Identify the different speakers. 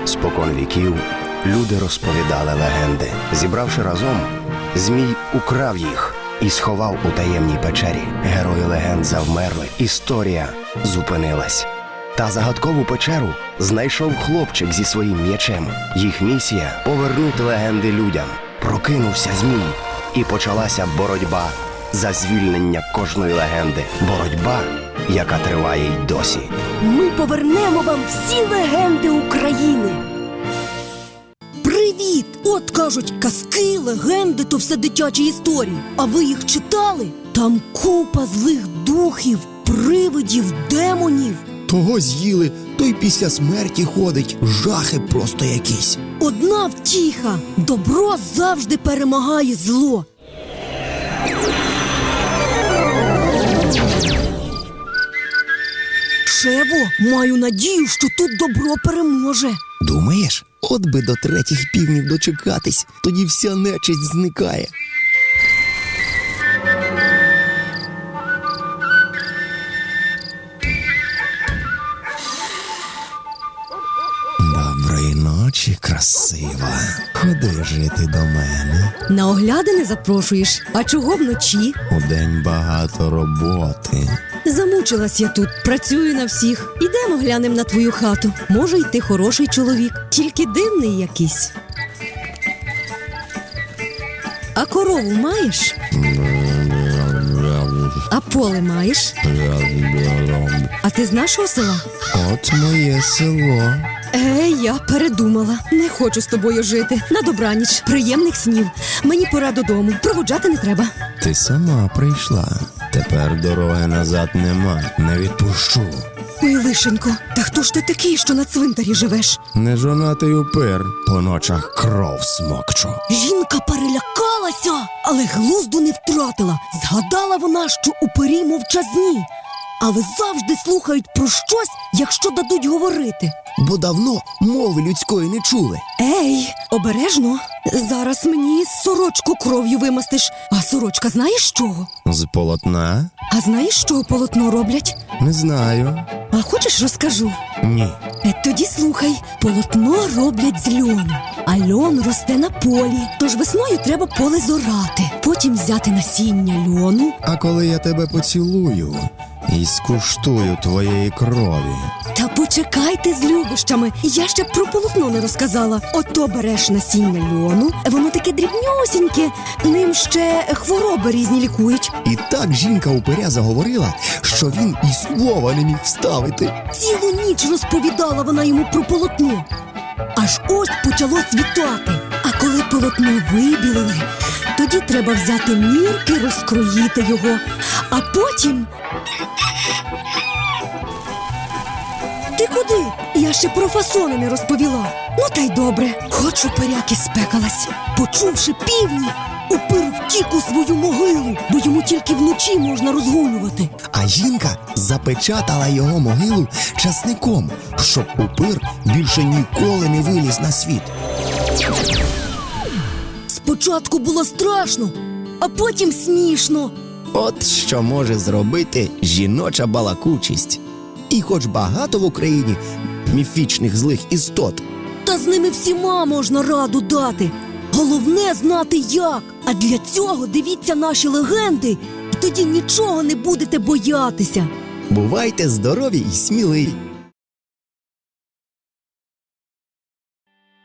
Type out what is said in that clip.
Speaker 1: Спокон віків люди розповідали легенди. Зібравши разом, Змій украв їх і сховав у таємній печері. Герої легенд завмерли, історія зупинилась. Та загадкову печеру знайшов хлопчик зі своїм м'ячем. Їх місія – повернути легенди людям. Прокинувся Змій, і почалася боротьба за звільнення кожної легенди. Боротьба, яка триває й досі.
Speaker 2: Ми повернемо вам всі легенди України. Привіт! От кажуть, казки, легенди – то все дитячі історії. А ви їх читали? Там купа злих духів, привидів, демонів.
Speaker 3: Того з'їли, той після смерті ходить. Жахи просто якісь.
Speaker 2: Одна втіха – добро завжди перемагає зло. Шево, маю надію, що тут добро переможе.
Speaker 3: Думаєш? От би до 3 півнів дочекатись, тоді вся нечисть зникає. Доброї ночі, красива. Ходи жити до мене.
Speaker 2: На оглядини запрошуєш? А чого вночі?
Speaker 3: Удень багато роботи.
Speaker 2: Замучилась я тут, працюю на всіх. Ідемо глянем на твою хату. Може, й ти хороший чоловік, тільки дивний якийсь. А корову маєш? А поле маєш? А ти з нашого села?
Speaker 3: От моє село.
Speaker 2: Я передумала. Не хочу з тобою жити. На добраніч, приємних снів. Мені пора додому. Проводжати не треба.
Speaker 3: Ти сама прийшла. Тепер дороги назад нема. Не відпущу.
Speaker 2: Ой, лишенько, та хто ж ти такий, що на цвинтарі живеш?
Speaker 3: Нежонатий упир. По ночах кров смокчу.
Speaker 2: Жінка перелякалася, але глузду не втратила. Згадала вона, що упирі мовчазні. Але завжди слухають про щось, якщо дадуть говорити.
Speaker 3: Бо давно мови людської не чули.
Speaker 2: Ей, обережно. Зараз мені сорочку кров'ю вимастиш. А сорочка знаєш з чого?
Speaker 3: З полотна?
Speaker 2: А знаєш, з чого полотно роблять?
Speaker 3: Не знаю.
Speaker 2: А хочеш, розкажу?
Speaker 3: Ні.
Speaker 2: Тоді слухай. Полотно роблять з льону. А льон росте на полі. Тож весною треба поле зорати. Потім взяти насіння льону.
Speaker 3: А коли я тебе поцілую і скуштую твоєї крові.
Speaker 2: Та почекайте з любощами. Я ще про полотно не розказала. Ото береш насіння льону. Воно таке дрібнюсіньке. Ним ще хвороби різні лікують.
Speaker 3: І так жінка упиря заговорила, що він і слова не міг вставити.
Speaker 2: Цілу ніч розповідала вона йому про полотно. Аж ось почало світати. А коли полотно вибілили, тоді треба взяти мірки, розкроїти його. А потім... Ти куди? Я ще про фасони не розповіла. Ну та й добре. Хоч упиряки спекалась. Почувши півні, упир втік у свою могилу, бо йому тільки вночі можна розгулювати.
Speaker 3: А жінка запечатала його могилу часником, щоб упир більше ніколи не виліз на світ.
Speaker 2: Спочатку було страшно, а потім смішно.
Speaker 3: От що може зробити жіноча балакучість. І хоч багато в Україні міфічних злих істот,
Speaker 2: Та з ними всіма можна раду дати. Головне знати як. А для цього дивіться наші легенди, і тоді нічого не будете боятися.
Speaker 3: бувайте здорові і сміливі.